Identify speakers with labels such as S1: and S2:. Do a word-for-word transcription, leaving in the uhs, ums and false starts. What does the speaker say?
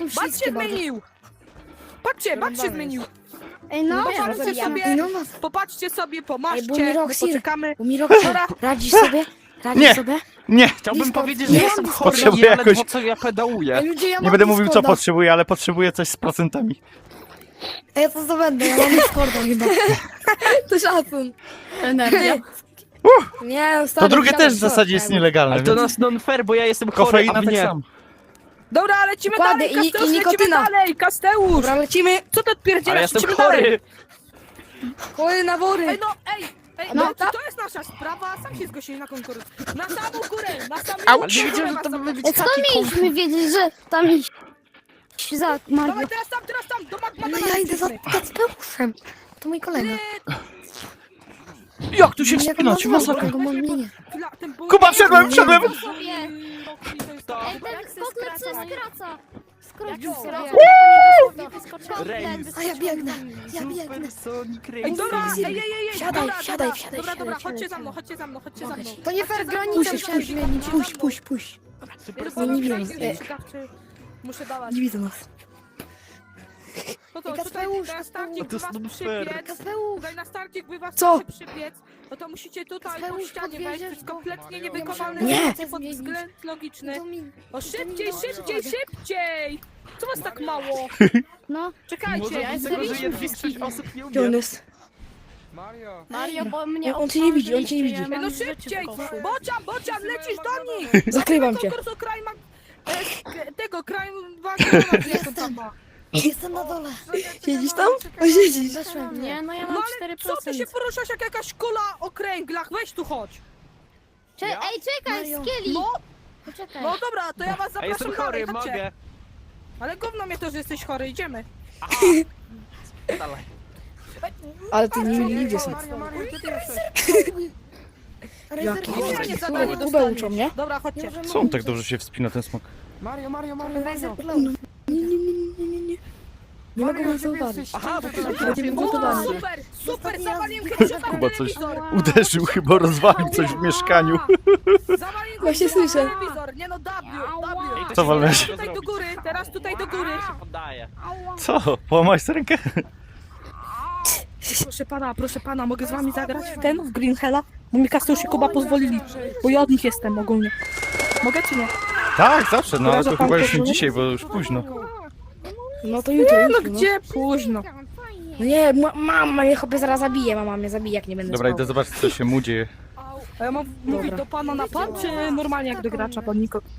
S1: są
S2: Bat
S1: wszystkie
S2: się
S1: baby.
S2: zmienił! Patrzcie, bat się zmienił!
S1: Ej, no,
S2: Popatrzcie sobie,
S1: Ej, no, no.
S2: popatrzcie sobie,
S1: Ej, bo
S2: pomarzcie,
S1: mi
S2: my
S1: Roxy,
S2: poczekamy.
S1: bo mi Roxy,
S2: Dobra.
S1: radzisz sobie? Radzisz
S3: Nie.
S1: sobie?
S3: Nie!
S4: Chciałbym
S1: Discord.
S4: powiedzieć, że
S1: Nie,
S4: jestem
S1: Discord.
S4: chory,
S3: Potrzebuję
S4: ale ledwo
S3: jakoś-
S4: co ja pedałuję.
S1: Ej, ludzie, ja
S3: Nie
S1: mam
S3: będę mówił co
S1: Discorda.
S3: potrzebuję, ale potrzebuję coś z procentami.
S1: Ej, ja to zdobędę, ja mam Discorda chyba. To szacun. Energia. Nie, stary,
S3: To drugie
S1: siadaj,
S3: też w zasadzie jest
S1: siadaj.
S3: nielegalne.
S4: Ale to
S3: więc
S4: nas non fair, bo ja jestem chory, a
S3: Kofeina
S4: wy
S3: tak
S4: nie.
S3: samo.
S2: Dobra, lecimy
S1: Dokładnie,
S2: dalej,
S1: i-
S2: Kasteusz,
S1: i
S2: lecimy
S1: nikotyna.
S2: dalej, Kasteusz!
S1: Dobra, lecimy.
S2: Co ty
S4: Ale
S2: odpierdzielasz,
S4: jestem
S2: lecimy dalej!
S4: chory!
S1: Chory na wory.
S2: Ej, no, ej, ej,
S1: No,
S2: no,
S1: ta-
S2: to jest nasza sprawa, sam się zgłosili na konkurs. Na samą górę, na samą
S4: Ale
S2: górę!
S4: nie wiedziałem, że
S2: was
S4: to
S2: tam-
S4: by być
S5: Skąd
S4: taki konkurs.
S5: mieliśmy wiedzieć, że tam iść za Mario?
S2: Dawaj, teraz tam, teraz tam, do Magma.
S1: Ale ja idę za Kacpeuszem. To mój kolega.
S3: Jak tu się
S1: Jak
S3: wspinać?
S1: on
S3: Masakra.
S1: nazywa? Go mam imię.
S3: Kuba, wszedłem, wszedłem!
S5: Ej, ten spotlet co skraca. Skrócił
S2: Jak
S5: sobie.
S2: skraca?
S4: Rejs.
S1: A ja biegnę, ja biegnę.
S4: Supersonic
S2: Ej,
S4: Race.
S2: dobra, ej, ej, ej, ej,
S1: Siadaj,
S2: dobra,
S1: siadaj,
S2: dobra,
S1: siadaj,
S2: dobra, dobra,
S1: siadaj,
S2: chodźcie
S1: siadaj.
S2: za mną, chodźcie za mną, chodźcie za mną.
S1: To nie fair,
S2: Chodźcie za mną,
S1: granicę
S2: musisz
S1: musisz
S2: puść,
S1: zmienić. Puść, puść, puść.
S2: Supersonic
S1: nie
S2: Race
S1: widzę.
S2: jest ciekawszy. Muszę dawać.
S1: Nie widzę nas.
S2: No to
S1: Ej,
S2: tutaj
S1: Kacpeusz,
S2: na starcie,
S4: to
S2: by
S4: jest
S2: was
S4: non fair.
S2: przybiec,
S1: Kacpeusz.
S2: tutaj na starcie, by was
S1: Co?
S2: przybiec, no to musicie tutaj po
S1: Kacpeusz,
S2: ścianie wejść, to
S1: podwieziesz
S2: jest
S1: go.
S2: kompletnie niewykonalne
S1: Nie.
S2: zdjęcie pod względ logiczny.
S1: To mi-
S2: O, szybciej,
S1: to mi
S2: szybciej,
S1: dochodzi.
S2: szybciej! Co was tak mało?
S5: No,
S2: Czekajcie,
S4: Może
S2: ja
S4: być
S2: jestem...
S4: tego, że większość osób nie
S1: Gdzie on
S4: umie.
S1: jest?
S6: Mario!
S5: Mario, bo mnie
S1: On cię nie widzi, on cię nie widzi.
S2: Ej, no szybciej! Bocian, Bocian, lecisz do nich!
S1: Zakrywam cię.
S2: Konkursu kraj ma... e, tego, kraj wagonów, jak to tam ma.
S1: Jestem na dole. Siedzisz tam? O, siedzisz. Zeszłem.
S5: Nie, no ja
S2: No
S5: mam
S2: ale
S5: cztery
S2: co ty
S5: procent.
S2: się poruszasz jak jakaś kula o kręglach? Weź tu chodź!
S5: Cze- Ej, czekaj,
S1: Mario.
S5: Skieli!
S2: No,
S5: Poczekaj.
S2: no dobra, to ja was
S4: A
S2: zapraszam
S4: jestem
S2: dalej,
S4: chory,
S2: chodźcie.
S4: mogę.
S2: Ale gówno mnie to, że jesteś chory, idziemy.
S4: Dalej.
S1: Ale ty nie nigdzie są.
S2: Mario, Mario, gdzie ty jesteś?
S1: Jaki?
S2: Kurwa, nie
S1: Kubę,
S2: zadanie
S1: Kubę
S2: dostaniesz.
S1: uczą, nie?
S2: Dobra, chodźcie.
S3: Co on tak dobrze się wspina, ten smok?
S6: Mario, Mario, Mario, Mario!
S1: Nie, nie, nie, nie, nie, nie. Nie mogę was zauważyć.
S4: Aha, bo to
S1: Będziemy
S2: O,
S1: gotowani.
S2: super, super, zawaliłem headshota w
S3: Chyba coś
S2: telewizor.
S3: uderzył, chyba rozwalił coś w mieszkaniu.
S2: Zawaliłem
S1: Właśnie
S2: headshota w
S1: słyszę.
S2: telewizor. Nie no, W, W.
S3: Co walnąłeś?
S2: Teraz tutaj do góry, teraz tutaj do góry.
S4: się poddaje.
S3: Co? Połamałeś sobie rękę?
S2: Proszę pana, proszę pana, mogę z wami zagrać w ten, w Green Hella? Bo mi Kasteusz i Kuba pozwolili, bo ja od nich jestem ogólnie. Mogę czy nie?
S3: Tak, zawsze, no ale
S2: Kojarzę
S3: to
S2: pan
S3: chyba już nie
S2: koszulę?
S3: dzisiaj, bo już późno.
S1: No to jutro,
S2: No
S1: jutro, no.
S2: gdzie późno?
S1: No nie, ma- mama mnie chyba zaraz zabije, mama mnie zabije, jak nie będę
S3: Dobra,
S1: spał.
S3: idę zobaczyć, co się mu dzieje.
S2: A ja mam mówić do pana na pan, czy normalnie jak do gracza, pan Niko?